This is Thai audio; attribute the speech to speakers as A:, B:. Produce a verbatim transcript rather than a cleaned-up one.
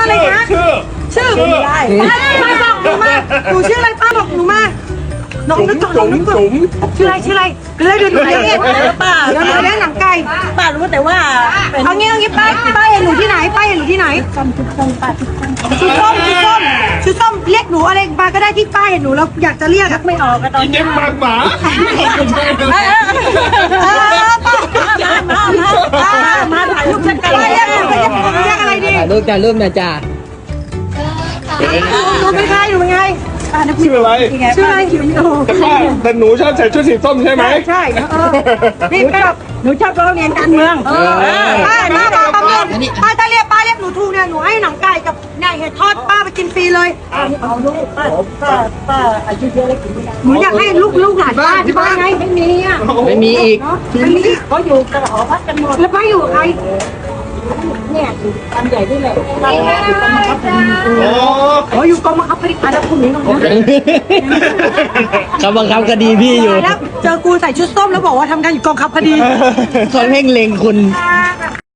A: อะไรคะ
B: ชื่อ
A: ชื่อ
B: ชื่อ
A: ป้าป้าบอกหนูมาหนูชื่ออะไรป้าบอกหนูมาน้องนึกก่อนน้องนึกก่อนชื่ออะไรชื่ออะไรเดี๋ยวเดี๋ยวหนูเรียกเองป้าเดี๋ยวหนูเรียกหนังไก่
C: ป้ารู้แต่ว่าเป็น
A: เอางี้เอางี้ป้าป้าเห็นหนูที่ไหนป้าเห็นหนูที่ไหน
C: คำทุกคนป้าทุกคน
A: ชื่อส้มชื่อส้มชื่อส้มเรียกหนูอะไรมาก็ได้ที่ป้าเห็นหนูแล้วอยากจะเรียกอะ
C: ไม่ออกก็ตอน
B: เย็บปากหมา
A: เออเออป้า
C: มามามามาถ่ายรูปกัน
A: ป้าเรียกหนูเรียกเรียกอะไรดี
D: ถ่ายรูปจ้ารูปนะจ้า
A: หนูเป็นใครหนูเป็นใคร
B: ชื่ออะไร
A: ชื่ออะไรคิวโน
B: แต่ป้าแต่หนูชอบใส่ชุดสีส้มใช่ไหม
A: ใช่เออนี่ป้า
C: หนูชอบร้องเรียนการเมือง
A: เออป้าป้าป้าป้าป้าถ้าเรียกป้าเรียกหนูถูกเนี่ยหนูให้หนังไก่กับเนี่ยเห็ดทอดป้าไปกินฟรีเลย
C: เอาลูกป้าป้าป้าอายุเยอะแล้วกินไม่ได้
A: หนูอยากให้ลูกลูกหลานป้าที่บ้านไง
C: ไม่มีอ่ะ
D: ไม่มีอีก
A: ไม่มี
C: เขาอยู่กันหอพักกันหมด
A: แล้วป้าอยู่กับใคร
C: เนี่ยอยู่กันใหญ่ที่เลยป้าอยู่กันมาครับ
B: โอ้
A: อ๋ออยู่กองบังคับคดีอาจจะคุณนี้น้อง
D: เขาบังคับคดีพี่อยู่
A: แล้วเจอกูใส่ชุดส้มแล้วบอกว่าทำงานอยู่กองคับคดี
D: เขาเพ่งเล็งคุณ